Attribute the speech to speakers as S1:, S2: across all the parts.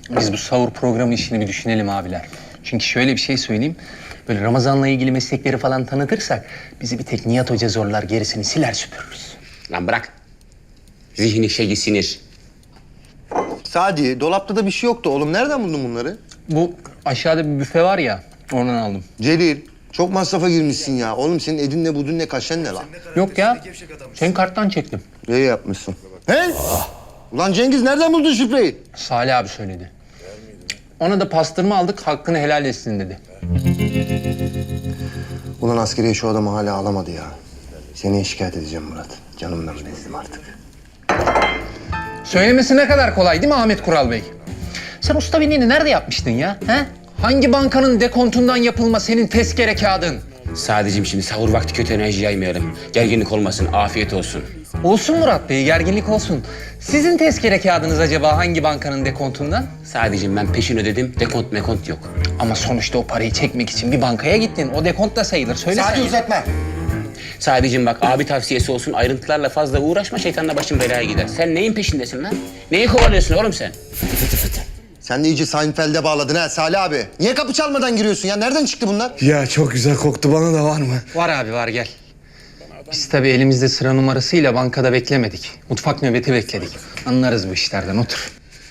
S1: Biz bu sahur programı işini bir düşünelim abiler. Çünkü şöyle bir şey söyleyeyim. Böyle Ramazan'la ilgili meslekleri falan tanıtırsak bizi bir tek Nihat Hoca zorlar, gerisini siler süpürürüz.
S2: Lan bırak. Zihni şeyi sinir.
S3: Sadi, dolapta da bir şey yoktu oğlum. Nereden buldun bunları?
S1: Bu aşağıda bir büfe var ya, oradan aldım.
S3: Celil, çok masrafa girmişsin ya. Oğlum senin edin ne budun ne kaşen ne lan?
S1: Yok ya, senin karttan çektim.
S3: İyi yapmışsın. He? Ulan Cengiz nereden buldun şifreyi?
S1: Salih abi söyledi. Ona da pastırma aldık, hakkını helal etsin dedi.
S3: Ulan askeriye şu adamı hala alamadı ya. Seni şikayet edeceğim Murat. Canımdan bezdim artık.
S1: Söylemesi ne kadar kolay değil mi Ahmet Kural Bey? Sen usta binliğini nerede yapmıştın ya? He? Hangi bankanın dekontundan yapılma senin tezkere kağıdın?
S2: Sadece şimdi sahur vakti kötü enerji yaymayalım. Gerginlik olmasın, afiyet olsun.
S1: Olsun Murat Bey, gerginlik olsun. Sizin tezkere kağıdınız acaba hangi bankanın dekontundan?
S2: Sadece ben peşin ödedim, dekont mekont yok.
S1: Ama sonuçta o parayı çekmek için bir bankaya gittin. O dekont da sayılır. Söyle
S3: Sadi
S1: sen.
S3: uzatma.
S2: Sadece bak abi tavsiyesi olsun, ayrıntılarla fazla uğraşma, şeytanla başın belaya gider. Sen neyin peşindesin lan? Neyi kovalıyorsun oğlum sen?
S3: Sen de iyice Seinfeld'e bağladın ha Salih abi. Niye kapı çalmadan giriyorsun ya? Nereden çıktı bunlar?
S4: Ya çok güzel koktu, bana da var mı?
S1: Var abi var, gel. Biz tabii elimizde sıra numarasıyla bankada beklemedik. Mutfak nöbeti bekledik. Anlarız bu işlerden, otur.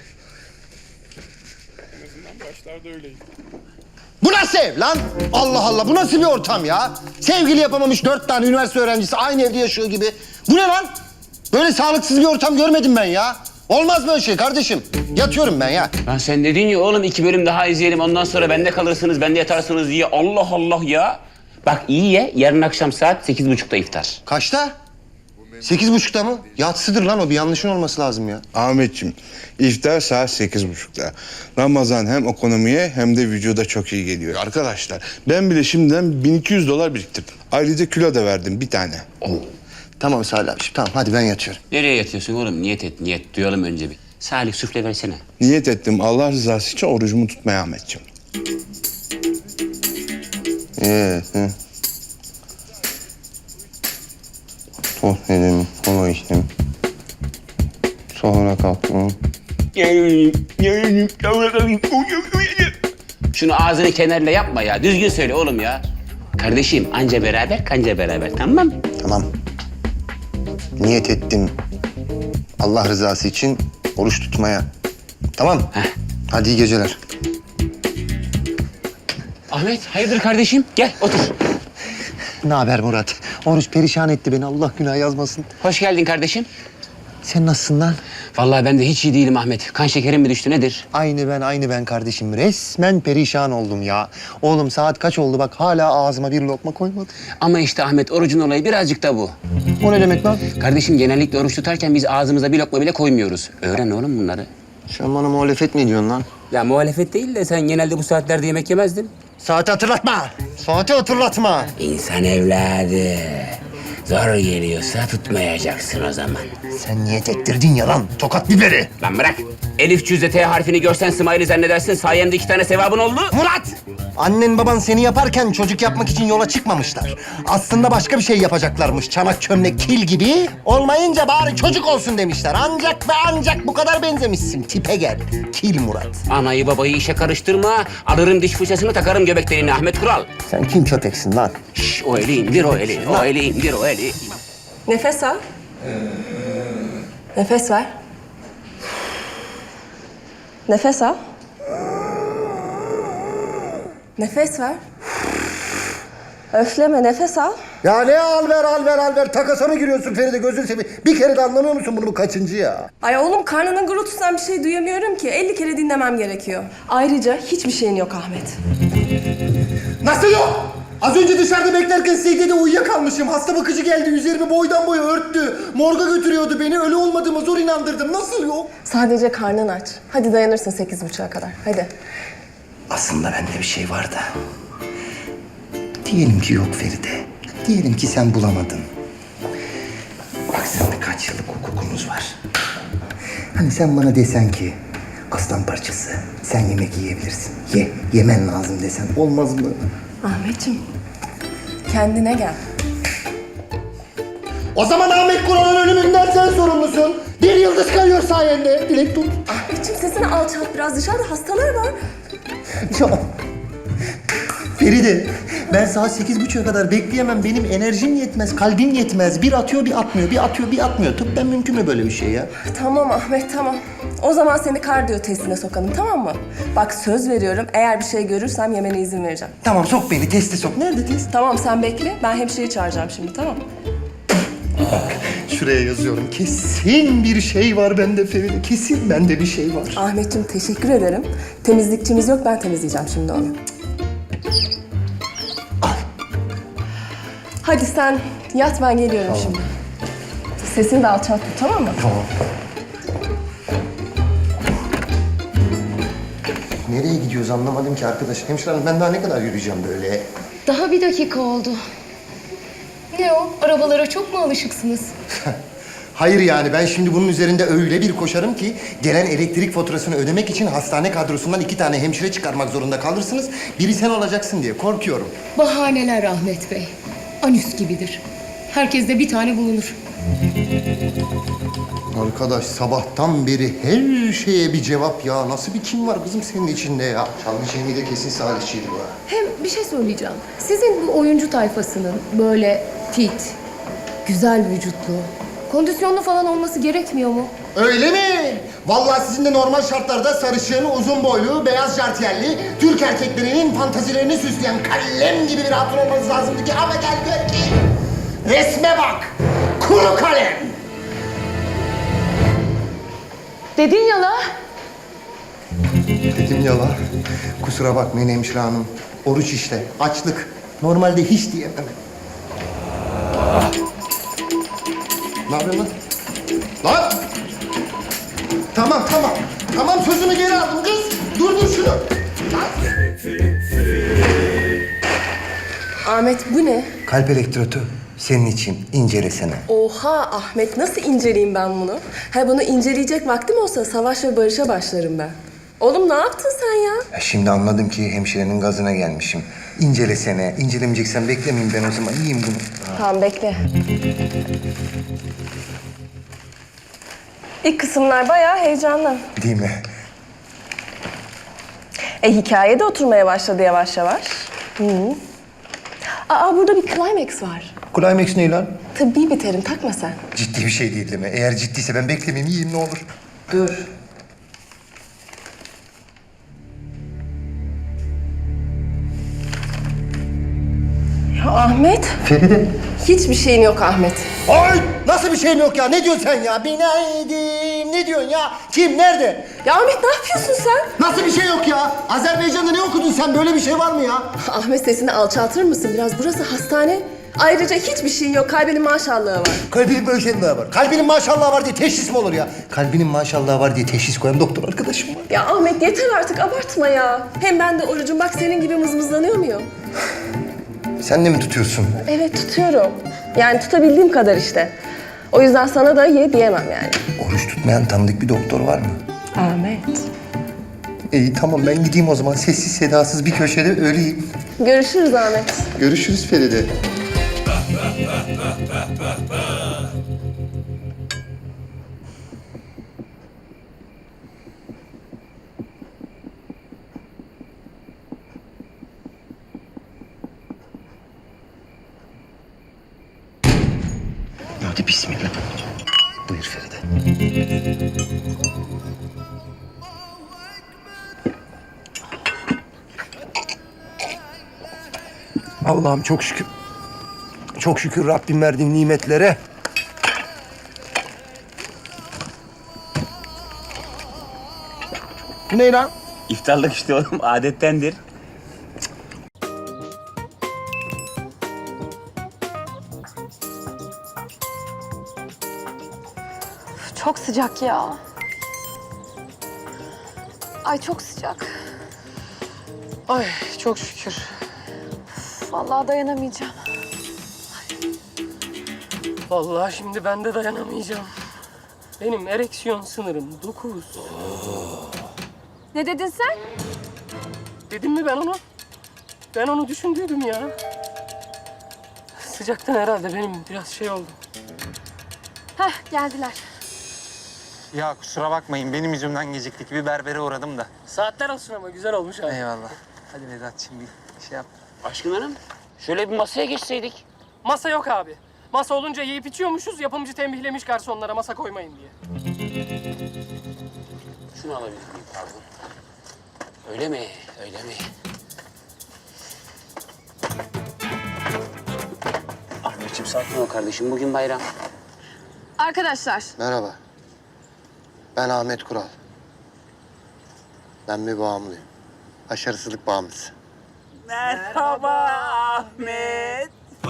S3: Bu nasıl ev lan? Allah Allah, bu nasıl bir ortam ya? Sevgili yapamamış 4 tane üniversite öğrencisi aynı evde yaşıyor gibi. Bu ne lan? Böyle sağlıksız bir ortam görmedim ben ya. Olmaz böyle şey kardeşim. Yatıyorum ben ya.
S2: Lan sen dedin ya oğlum 2 bölüm daha izleyelim, ondan sonra bende kalırsınız, bende yatarsınız diye. Allah Allah ya. Bak iyi ye, yarın akşam saat 8.30'da iftar.
S3: Kaçta? 8.30'da mı? Yatsıdır lan o, bir yanlışın olması lazım ya.
S4: Ahmetciğim, iftar saat 8.30'da. Ramazan hem ekonomiye hem de vücuda çok iyi geliyor. Arkadaşlar, ben bile şimdiden $1200 biriktirdim. Ayrıca kilo da verdim bir tane.
S3: Tamam Salih abi, tamam hadi ben yatıyorum.
S2: Nereye yatıyorsun oğlum? Niyet et, niyet. Duyalım önce bir. Salih süfle versene.
S4: Niyet ettim Allah rızası için orucumu tutmaya Ahmetciğim.
S3: Hı. Tost yedim, kola içtim. Sonra kalktım.
S2: Şunu ağzını kenarla yapma ya. Düzgün söyle oğlum ya. Kardeşim anca beraber kanca beraber, tamam mı?
S3: Tamam. Niyet ettim. Allah rızası için oruç tutmaya. Tamam.
S2: Heh.
S3: Hadi iyi geceler.
S2: Ahmet hayırdır kardeşim? Gel otur.
S3: Ne haber Murat? Oruç perişan etti beni. Allah günah yazmasın.
S2: Hoş geldin kardeşim.
S3: Sen nasılsın lan?
S2: Vallahi ben de hiç iyi değilim Ahmet. Kan şekerim mi düştü nedir?
S3: Aynı ben kardeşim. Resmen perişan oldum ya. Oğlum saat kaç oldu bak, hala ağzıma bir lokma koymadım.
S2: Ama işte Ahmet orucun olayı birazcık da bu.
S3: O ne demek lan?
S2: Kardeşim genellikle oruç tutarken biz ağzımıza bir lokma bile koymuyoruz. Öğren oğlum bunları.
S3: Sen bana muhalefet mi ediyorsun lan?
S2: Ya muhalefet değil de sen genelde bu saatlerde yemek yemezdin.
S3: Saati hatırlatma. Saati hatırlatma.
S2: İnsan evladı. Zor geliyorsa tutmayacaksın o zaman.
S3: Sen niyet ettirdin ya lan. Tokat biberi.
S2: Lan bırak. Elif cüzde T harfini görsen Smiley zannedersin. Sayemde 2 tane sevabın oldu.
S3: Murat! Annen baban seni yaparken çocuk yapmak için yola çıkmamışlar. Aslında başka bir şey yapacaklarmış. Çanak çömlek kil gibi. Olmayınca bari çocuk olsun demişler. Ancak ve ancak bu kadar benzemişsin. Tipe gel. Kil Murat.
S2: Anayı babayı işe karıştırma. Alırım diş fırçasını takarım göbek deliğine Ahmet Kural.
S3: Sen kim köpeksin lan?
S2: Şş, o eli indir o eli. O eli indir o eli.
S5: Nefes al. Nefes ver. Nefes al. Nefes ver. Öfleme, nefes al.
S3: Ya ne al ver. Takasa mı giriyorsun Feride, gözünü seveyim. Bir kere de anlamıyor musun bunu, bu kaçıncı ya?
S5: Ay oğlum, karnının gurultusundan bir şey duyamıyorum ki. 50 kere dinlemem gerekiyor. Ayrıca hiçbir şeyin yok Ahmet.
S3: Nasıl yok? Az önce dışarıda beklerken secdede uyuyakalmışım. Hasta bakıcı geldi, üzerimi boydan boya örttü. Morga götürüyordu beni, ölü olmadığıma zor inandırdım. Nasıl yok?
S5: Sadece karnın aç. Hadi dayanırsın 8.30'a kadar. Hadi.
S3: Aslında bende bir şey var da. Diyelim ki yok Feride. Diyelim ki sen bulamadın. Bak seninle kaç yıllık hukukumuz var. Hani sen bana desen ki aslan parçası sen yemek yiyebilirsin. Yemen lazım desen olmaz mı?
S5: Ahmetciğim, kendine gel.
S3: O zaman Ahmet Kural'ın ölümünden sen sorumlusun. Bir yıldız kayıyor sayende. Dilek tut.
S5: Ahmet. Ahmetciğim sesini alçalt biraz. Dışarıda hastalar var.
S3: Ya, Feride, ben saat 8.30'a kadar bekleyemem. Benim enerjim yetmez, kalbim yetmez. Bir atıyor, bir atmıyor, bir atıyor, bir atmıyor. Tıbben mümkün mü böyle bir şey ya?
S5: Tamam Ahmet, tamam. O zaman seni kardiyo testine sokalım, tamam mı? Bak söz veriyorum, eğer bir şey görürsem yemene izin vereceğim.
S3: Tamam, sok beni, teste sok. Nerede test?
S5: Tamam, sen bekle. Ben hemşireyi çağıracağım şimdi, tamam mı?
S3: Şuraya yazıyorum. Kesin bir şey var bende Feride. Kesin bende bir şey var.
S5: Ahmetciğim teşekkür ederim. Temizlikçimiz yok, ben temizleyeceğim şimdi onu. Hadi sen yat, ben geliyorum şimdi. Sesini de alçalt tut, tamam mı?
S3: Tamam. Nereye gidiyoruz anlamadım ki arkadaş. Hemşire hanım, ben daha ne kadar yürüyeceğim böyle?
S6: Daha bir dakika oldu. Ne o? Arabalara çok mu alışıksınız?
S3: Hayır yani ben şimdi bunun üzerinde öyle bir koşarım ki gelen elektrik faturasını ödemek için hastane kadrosundan 2 tane hemşire çıkarmak zorunda kalırsınız. Biri sen olacaksın diye korkuyorum.
S6: Bahaneler Ahmet Bey. Anüs gibidir. Herkeste bir tane bulunur.
S3: Arkadaş sabahtan beri her şeye bir cevap ya. Nasıl bir kim var kızım senin içinde ya? Çalgı Cemil de kesin salihçiydi bu.
S6: Hem bir şey söyleyeceğim. Sizin bu oyuncu tayfasının böyle fit, güzel vücutlu, kondisyonlu falan olması gerekmiyor mu?
S3: Öyle mi? Vallahi sizin de normal şartlarda sarışın, uzun boylu, beyaz jartiyerli, Türk erkeklerinin fantazilerini süsleyen kalem gibi bir hatun olmanız lazımdı ki ama gel gör ki resme bak, kuru kalem.
S6: Dedin ya la.
S3: Dedim ya la, kusura bakmayın hemşire hanım. Oruç işte, açlık. Normalde hiç diyemem. Ne yapıyorsun lan? Lan! Tamam, tamam. Tamam, sözümü geri aldım kız. Durdur şunu. Lan!
S5: Ahmet bu ne?
S3: Kalp elektrotu senin için incelesene.
S5: Oha Ahmet, nasıl inceleyeyim ben bunu? Ha, bunu inceleyecek vaktim olsa savaş ve barışa başlarım ben. Oğlum ne yaptın sen ya?
S3: Ya şimdi anladım ki hemşirenin gazına gelmişim. İncelesene. İncelemeyeceksen beklemeyeyim ben o zaman. Yiyeyim bunu.
S5: Tamam bekle. İlk kısımlar bayağı heyecanlı.
S3: Değil mi?
S5: Hikaye de oturmaya başladı yavaş yavaş. Aa burada bir climax var.
S3: Climax ne lan?
S5: Tıbbi bir terim, takma sen.
S3: Ciddi bir şey değil mi? Eğer ciddiyse ben beklemeyeyim. Yiyeyim ne olur.
S5: Dur. Ya Ahmet,
S3: Feride.
S5: hiçbir şeyin yok Ahmet.
S3: Ay! Nasıl bir şeyim yok ya? Ne diyorsun sen ya? Binaydim. Ne diyorsun ya? Kim? Nerede?
S5: Ya Ahmet ne yapıyorsun sen?
S3: Nasıl bir şey yok ya? Azerbaycan'da ne okudun sen? Böyle bir şey var mı ya?
S5: Ahmet sesini alçaltır mısın biraz? Burası hastane. Ayrıca hiçbir şeyin yok. Kalbinin maşallahı var.
S3: Kalbinin maşallahı var. Kalbinin maşallahı var diye teşhis mi olur ya? Kalbinin maşallahı var diye teşhis koyan doktor arkadaşım var.
S5: Ya Ahmet yeter artık abartma ya. Hem ben de orucum bak senin gibi mızmızlanıyor muyum?
S3: Sen de mi tutuyorsun?
S5: Evet tutuyorum. Yani tutabildiğim kadar işte. O yüzden sana da ye diyemem yani.
S3: Oruç tutmayan tanıdık bir doktor var mı?
S5: Ahmet.
S3: İyi tamam ben gideyim o zaman. Sessiz sedasız bir köşede öleyim.
S5: Görüşürüz Ahmet.
S3: Görüşürüz Feride. Hadi bismillah. Buyur Feride. Allah'ım çok şükür. Çok şükür Rabbim verdiğin nimetlere. Bu ne lan?
S2: İftarlık işte oğlum, adettendir.
S7: Çok sıcak ya. Ay çok sıcak.
S8: Ay çok şükür.
S7: Vallahi dayanamayacağım.
S8: Vallahi şimdi ben de dayanamayacağım. Benim ereksiyon sınırım 9.
S7: Ne dedin sen?
S8: Dedim mi ben onu? Ben onu düşündüydüm ya. Sıcaktan herhalde benim biraz şey oldu.
S7: Heh geldiler.
S1: Ya kusura bakmayın benim yüzümden geciktik. Bir berbere uğradım da.
S8: Saatler olsun ama güzel olmuş abi.
S1: Eyvallah. Hadi Vedat'cığım bir şey yap.
S2: Aşkın Hanım, şöyle bir masaya geçseydik.
S8: Masa yok abi. Masa olunca yiyip içiyormuşuz, yapımcı tembihlemiş garsonlara masa koymayın diye.
S2: Şunu alabilir miyim pardon? Öyle mi? Öyle mi? Ahmetciğim sakin ol kardeşim. Bugün bayram.
S7: Arkadaşlar,
S9: Merhaba. Ben Ahmet Kural. Ben bir bağımlıyım. Başarısızlık bağımlısı.
S2: Merhaba Ahmet.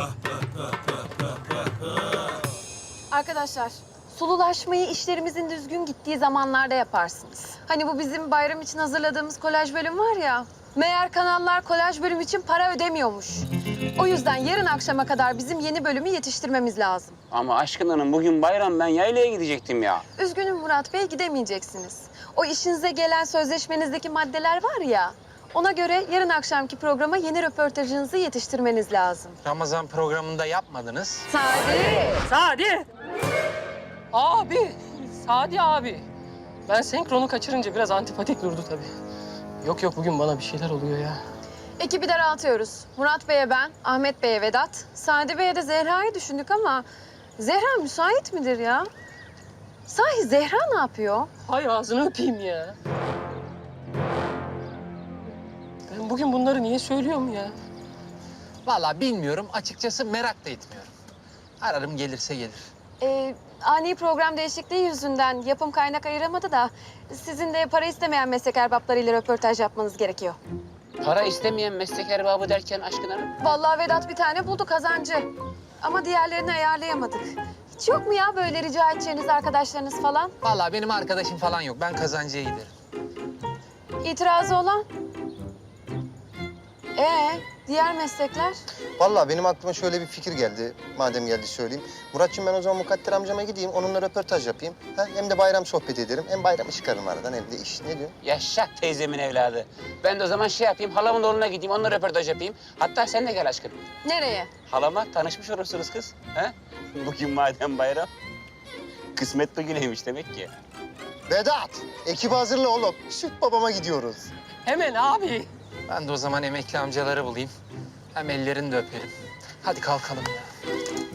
S7: arkadaşlar. Sululaşmayı işlerimizin düzgün gittiği zamanlarda yaparsınız. Hani bu bizim bayram için hazırladığımız kolaj bölüm var ya. Meğer kanallar kolaj bölüm için para ödemiyormuş. O yüzden yarın akşama kadar bizim yeni bölümü yetiştirmemiz lazım.
S2: Ama Aşkın Hanım bugün bayram, ben yaylaya gidecektim ya.
S7: Üzgünüm Murat Bey, gidemeyeceksiniz. O işinize gelen sözleşmenizdeki maddeler var ya. Ona göre yarın akşamki programa yeni röportajınızı yetiştirmeniz lazım.
S1: Ramazan programında yapmadınız.
S7: Sadi!
S8: Sadi! Abi! Sadi abi! Ben senkronu kaçırınca biraz antipatik durdu tabii. Yok yok, bugün bana bir şeyler oluyor ya.
S7: Ekibi daraltıyoruz. Murat Bey'e ben, Ahmet Bey'e Vedat, Sadi Bey'e de Zehra'yı düşündük ama Zehra müsait midir ya? Sahi Zehra ne yapıyor?
S8: Hay ağzını öpeyim ya. Ben bugün bunları niye söylüyorum ya?
S1: Vallahi bilmiyorum. Açıkçası merak da etmiyorum. Ararım gelirse gelir.
S7: Ani program değişikliği yüzünden yapım kaynak ayıramadı da sizin de para istemeyen meslek erbaplarıyla röportaj yapmanız gerekiyor.
S2: Para istemeyen meslek erbabı derken Aşkın Hanım?
S7: Vallahi Vedat bir tane buldu kazancı. Ama diğerlerini ayarlayamadık. Hiç yok mu ya böyle rica edeceğiniz arkadaşlarınız falan?
S1: Vallahi benim arkadaşım falan yok. Ben kazancıya giderim.
S7: İtirazı olan? Diğer meslekler?
S9: Vallahi benim aklıma şöyle bir fikir geldi. Madem geldi söyleyeyim. Muratçığım ben o zaman Mukadder amcama gideyim. Onunla röportaj yapayım. Hem de bayram sohbet ederim. Hem bayramı çıkarım aradan hem de iş. Ne diyorsun?
S2: Yaşa teyzemin evladı. Ben de o zaman şey yapayım, halamın oğluna gideyim, onunla röportaj yapayım. Hatta sen de gel Aşkın.
S7: Nereye?
S2: Halama tanışmış olursunuz kız. He? Bugün madem bayram. Kısmet bugüneymiş demek ki.
S9: Vedat! Ekibi hazırla oğlum. Süt babama gidiyoruz.
S8: Hemen abi.
S1: Ben de o zaman emekli amcaları bulayım. Hem ellerini de öperim. Hadi kalkalım ya.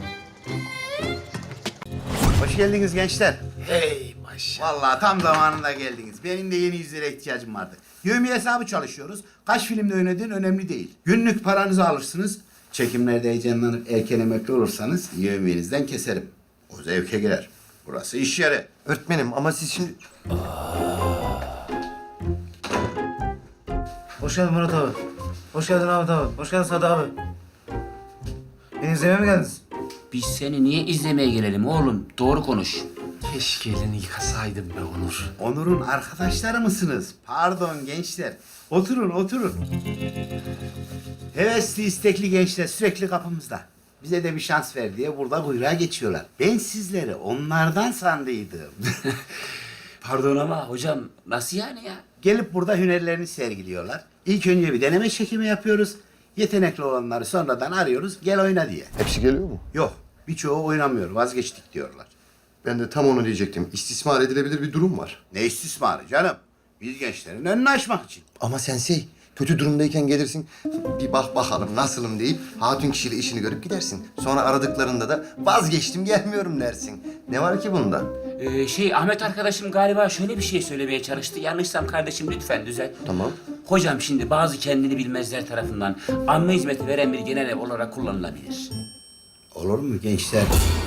S10: Hoş geldiniz gençler. Hey maşallah. Vallahi tam zamanında geldiniz. Benim de yeni yüzlere ihtiyacım vardı. Yevmiye hesabı çalışıyoruz. Kaç filmde oynadığın önemli değil. Günlük paranızı alırsınız. Çekimlerde heyecanlanıp erken emekli olursanız yevmiyenizden keserim. O zevke girer. Burası iş yeri.
S9: Öğretmenim ama siz şimdi...
S11: Hoş geldin Murat abi. Hoş geldin Ahmet abi. Hoş geldin Sadi abi. Beni izlemeye mi geldiniz?
S2: Biz seni niye izlemeye gelelim oğlum? Doğru konuş.
S1: Keşke elini yıkasaydım be Onur.
S10: Onur'un arkadaşları mısınız? Pardon gençler. Oturun, oturun. Hevesli, istekli gençler sürekli kapımızda. Bize de bir şans ver diye burada kuyruğa geçiyorlar. Ben sizleri onlardan sandıydım.
S2: Pardon ama hocam nasıl yani ya?
S10: Gelip burada hünerlerini sergiliyorlar. İlk önce bir deneme çekimi yapıyoruz. Yetenekli olanları sonradan arıyoruz. Gel oyna diye.
S9: Hepsi geliyor mu?
S10: Yok. Birçoğu oynamıyor. Vazgeçtik diyorlar.
S9: Ben de tam onu diyecektim. İstismar edilebilir bir durum var.
S10: Ne istismarı canım? Biz gençlerin önünü açmak için.
S9: Ama sensei, kötü durumdayken gelirsin, bir bak bakalım nasılım deyip hatun kişiyle işini görüp gidersin. Sonra aradıklarında da vazgeçtim gelmiyorum dersin. Ne var ki bunda?
S2: Ahmet arkadaşım galiba şöyle bir şey söylemeye çalıştı. Yanlışsam kardeşim lütfen düzelt.
S9: Tamam.
S2: Hocam şimdi bazı kendini bilmezler tarafından amme hizmeti veren bir genel ev olarak kullanılabilir.
S10: Olur mu gençler?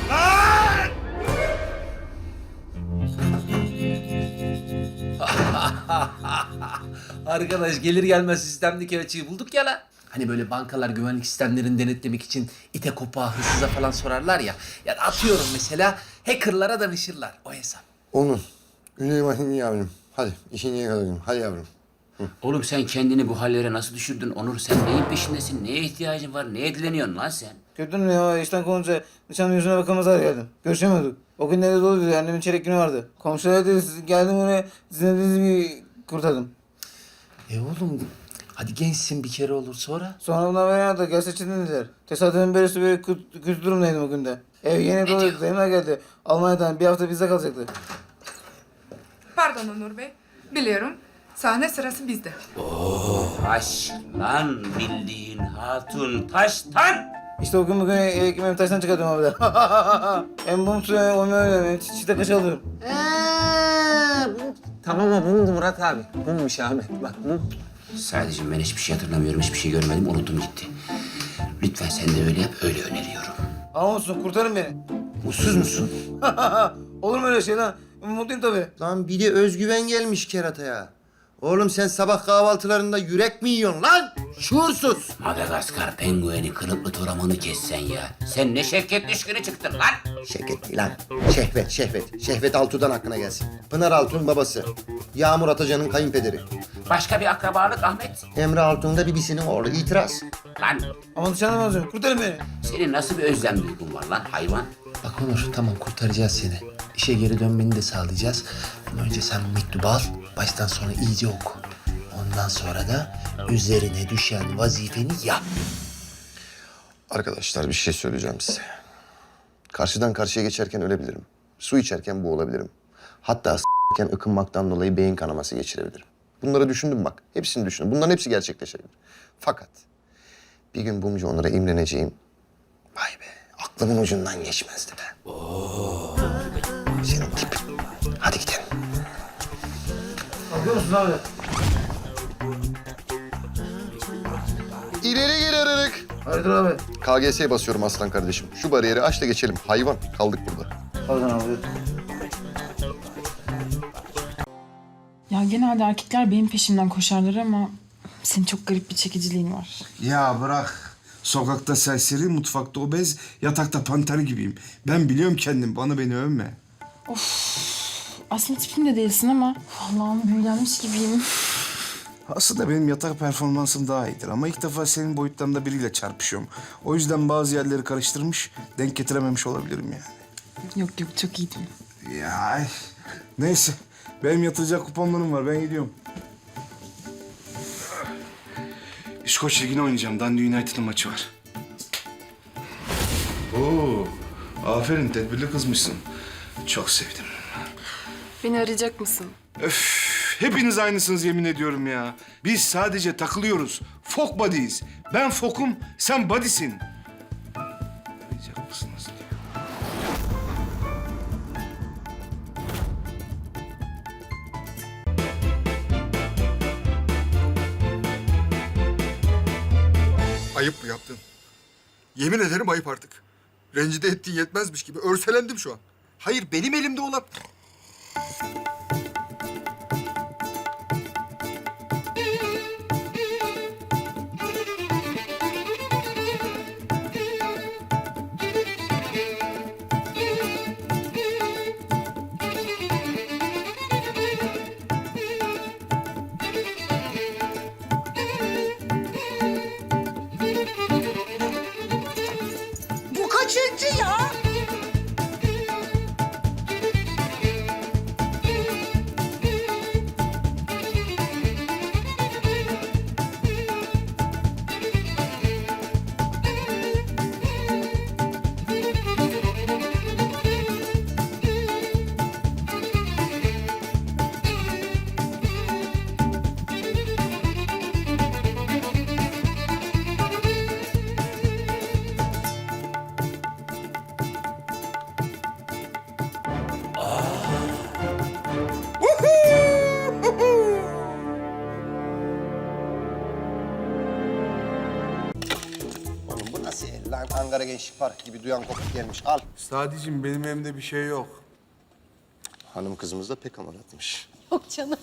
S1: Arkadaş gelir gelmez sistemdeki açığı bulduk ya la. Hani böyle bankalar güvenlik sistemlerini denetlemek için ite kopağa, hırsıza falan sorarlar ya. Ya atıyorum mesela hackerlara danışırlar o hesap.
S9: Onur, Güney Mahini yavrum. Hadi işini yakalayalım. Hadi yavrum.
S2: Oğlum sen kendini bu hallere nasıl düşürdün Onur? Sen neyin peşindesin? Neye ihtiyacın var? Neye dileniyorsun lan sen?
S11: Gördün mü ya işten kovunca nişanın yüzüne bakamaz hale geldim. Görüşemiyorduk. O gün nerede doluydu annemin çeyrek günü vardı. Komşular dedi geldim oraya sizin dediğinizi kurtardım.
S1: Oğlum hadi gençsin bir kere olur sonra.
S11: Sonra bunlar beni aradı gel seçildin dediler. Tesadüfen böylesi böyle kötü durumdaydım o günde. Ev yeni doluydu dayımlar geldi. Almanya'dan bir hafta bizde kalacaktı.
S12: Pardon Onur Bey. Biliyorum. Sahne sırası bizde.
S2: Taş lan bildiğin hatun taştan.
S11: İşte o gün bugün ekmeğimi taştan çıkartıyorum abi de. Hem bum suyu hem öyle çiçekte kaç alıyorum.
S1: Tamam ama mumdu Murat abi. Mummuş Ahmet. Bak mum.
S2: Sadece ben hiçbir şey hatırlamıyorum, hiçbir şey görmedim, unuttum gitti. Lütfen sen de öyle yap, öyle öneriyorum.
S11: Ama olsun kurtarın beni.
S1: Mutsuz musun?
S11: Olur mu öyle şey lan? Mutluyum tabii.
S9: Lan bir de özgüven gelmiş kerataya. Oğlum sen sabah kahvaltılarında yürek mi yiyorsun lan? Şuursuz.
S2: Madagaskar pengueni kılıklı toramanı kessen ya. Sen ne şevket düşkünü çıktın lan.
S9: Şevket değil lan. Şehvet, Şehvet. Şehvet Altun'dan aklına gelsin. Pınar Altun babası. Yağmur Atacan'ın kayınpederi.
S2: Başka bir akrabalık Ahmet.
S9: Emre Altun da bibisinin oğlu. İtiraz.
S2: Lan
S11: Ama dışarıdan alacağım. Kurtarın beni.
S2: senin nasıl bir özlem duygun var lan hayvan?
S1: Bak Onur tamam kurtaracağız seni. İşe geri dönmeni de sağlayacağız. Ama önce sen bu mektubu al. Baştan sona iyice oku. Ondan sonra da üzerine düşen vazifeni yap.
S9: Arkadaşlar bir şey söyleyeceğim size. Karşıdan karşıya geçerken ölebilirim. Su içerken boğulabilirim. Hatta s**ken ıkınmaktan dolayı beyin kanaması geçirebilirim. Bunları düşündüm bak. Hepsini düşündüm. Bunların hepsi gerçekleşebilir. Fakat bir gün Bumcu Onur'a imreneceğim. Vay be, aklımın ucundan geçmezdi be. Senin tip. Hadi gidelim.
S11: Bakıyor musun abi?
S9: İleri geri aralık.
S11: Hayırdır abi?
S9: KGS'ye basıyorum aslan kardeşim. Şu bariyeri aç da geçelim. Hayvan, kaldık burada.
S11: Pardon abi.
S13: Ya genelde erkekler benim peşimden koşarlar ama senin çok garip bir çekiciliğin var.
S4: Ya bırak. Sokakta serseri, mutfakta obez, yatakta panter gibiyim. Ben biliyorum kendim, beni övme.
S13: Aslında tipim de değilsin ama Allah'ım büyülenmiş gibiyim.
S4: Aslında benim yatak performansım daha iyidir ama ilk defa senin boyutlarında biriyle çarpışıyorum. O yüzden bazı yerleri karıştırmış, denk getirememiş olabilirim yani.
S13: Yok çok iyiydim.
S4: Ya neyse, benim yatıracak kuponlarım var, ben gidiyorum. İskoç Ligi'ne oynayacağım, Dundee United'ın maçı var. Oo, aferin, tedbirli kızmışsın. Çok sevdim.
S12: Beni arayacak mısın?
S4: Öf, hepiniz aynısınız yemin ediyorum ya. Biz sadece takılıyoruz. Fok buddies. Ben fokum, sen buddy'sin. Arayacak mısınız?
S14: Ayıp bu yaptın. Yemin ederim ayıp artık. Rencide ettiğin yetmezmiş gibi örselendim şu an. Hayır benim elimde olan...
S3: Bu kaçıncı ya?
S9: Oğlum bu nasıl el lan? Ankara Gençlik Parkı gibi duyan kopuk gelmiş. Al.
S14: Sadece benim elimde bir şey yok.
S9: Hanım kızımız da pek amaratmış.
S7: Yok canım.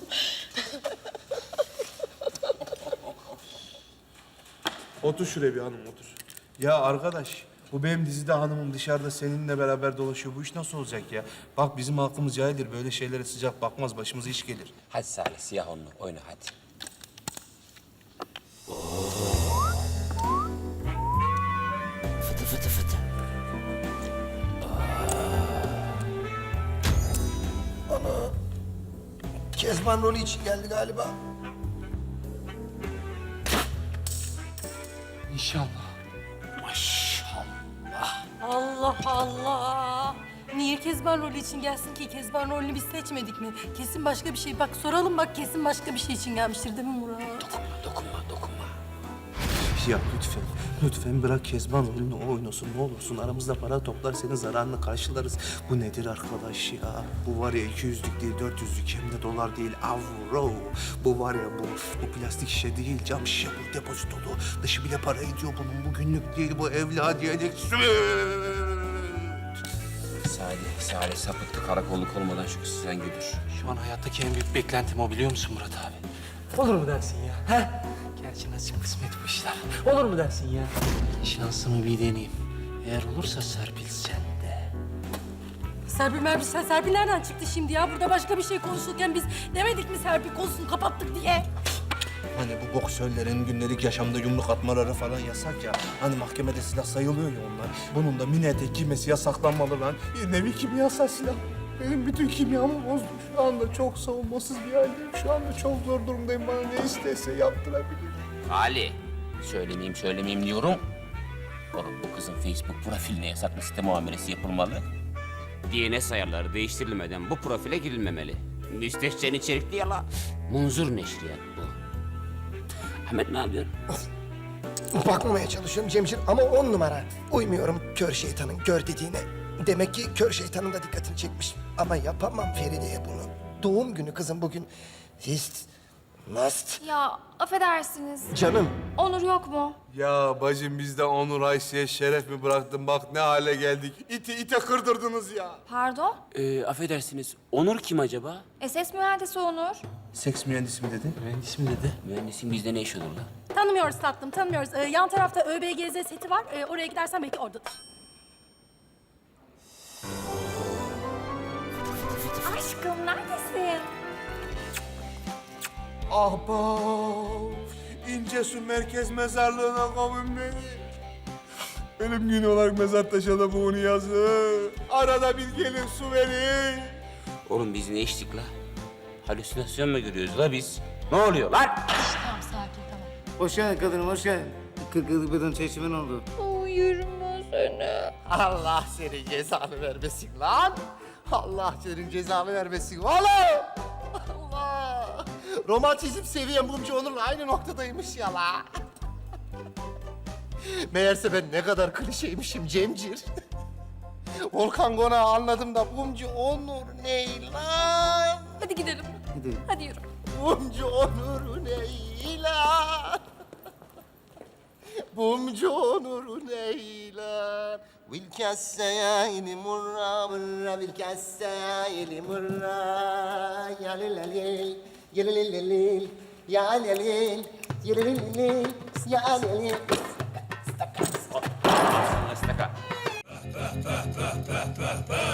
S14: Otur şuraya bir hanım, otur. Ya arkadaş, bu benim dizide hanımım dışarıda seninle beraber dolaşıyor. Bu iş nasıl olacak ya? Bak bizim halkımız cahildir. Böyle şeylere sıcak bakmaz. Başımıza iş gelir.
S2: Hadi Salih siyah onlu oyna hadi. Fıtı fıtı fıtı.
S9: Kezban rolü için geldi galiba.
S2: İnşallah. Maşallah.
S7: Allah Allah.
S15: Niye Kezban rolü için gelsin ki? Kezban rolünü biz seçmedik mi? Kesin başka bir şey. Bak soralım bak kesin başka bir şey için gelmiştir değil mi Murat?
S2: Dokunma.
S14: Ya lütfen bırak Kezban rolünü o oynasın ne olursun. Aramızda para toplar senin zararını karşılarız. Bu nedir arkadaş ya? Bu var ya 200'lük değil 400'lük hem de dolar değil avro. Bu var ya bu plastik şişe değil cam şişe bu depozitolu. Dışı bile para ediyor bunun. Bu günlük değil bu evladiyelik süt.
S2: Salih sapıktı karakolluk olmadan şu kızı sen götür.
S8: Şu an hayattaki en büyük beklentim o biliyor musun Murat abi? Olur mu dersin ya? He? Gerçi nasip kısmet bu işler. Olur mu dersin ya? Şansımı bir deneyeyim. Eğer olursa Serpil sen de.
S15: Serpil nereden çıktı şimdi ya? Burada başka bir şey konuşurken biz demedik mi Serpil konusunu kapattık diye?
S14: Hani bu boksörlerin günlük yaşamda yumruk atmaları falan yasak ya. Hani mahkemede silah sayılıyor ya onlar. Bunun da mini etek giymesi yasaklanmalı lan. Bir nevi kimyasal silah. Benim bütün kimyamı bozdu. Şu anda çok savunmasız bir haldeyim. Şu anda çok zor durumdayım. Bana ne istese yaptırabilir.
S2: Ali, söylemeyeyim diyorum. Oğlum bu kızın Facebook profiline yasaklı site muamelesi yapılmalı. DNS ayarları değiştirilmeden bu profile girilmemeli. Müstehcen içerikli yala. Munzur neşriyat bu. Ahmet ne yapıyorsun?
S3: Bakmamaya çalışıyorum Cemcir ama 10 numara. Uymuyorum kör şeytanın gör dediğine. Demek ki kör şeytanın da dikkatini çekmiş. Ama yapamam Feride'ye bunu. Doğum günü kızım bugün. Must.
S6: Ya affedersiniz.
S3: Canım.
S6: Onur yok mu?
S14: Ya bacım biz de Onur Ayşe'ye şeref mi bıraktın? Bak ne hale geldik. İte kırdırdınız ya.
S6: Pardon?
S2: Affedersiniz, Onur kim acaba?
S6: SS mühendisi Onur.
S14: Seks mühendisi mi dedi?
S8: Mühendis mi dedi?
S2: Mühendisin bizde ne iş olur lan?
S15: Tanımıyoruz tatlım tanımıyoruz. Yan tarafta ÖBGZ seti var. Oraya gidersen belki oradadır.
S6: Aşkım neredesin?
S14: Ahbap, İncesu Merkez Mezarlığı'na kavun beni. Ölüm günü olarak mezar taşına bunu yazın. Arada bir gelin su verin.
S2: Oğlum biz ne içtik la? Halüsinasyon mu görüyoruz la biz? Ne oluyor lan?
S6: Tamam sakin tamam.
S11: Hoş geldin kadınım hoş geldin. 40 yıllık beden çeşimin oldu.
S6: Uyurum seni.
S10: Allah senin cezanı vermesin lan. Allah senin cezanı vermesin oğlum. Allah. Romantizm seviyem Mumcu Onur'la aynı noktadaymış ya la. Meğerse ben ne kadar klişeymişim Cemcir. Volkan Konağı anladım da Mumcu Onur ne lan?
S15: Hadi gidelim.
S11: Gidelim.
S15: Hadi yürü.
S10: Mumcu Onur ne lan? Mumcu Onur ne lan? Vilkesseyni murra murra vilkesseyni murra ya lelelil ya lelelil ya lelelil ya lelelil ya lelelil.
S2: Istaka.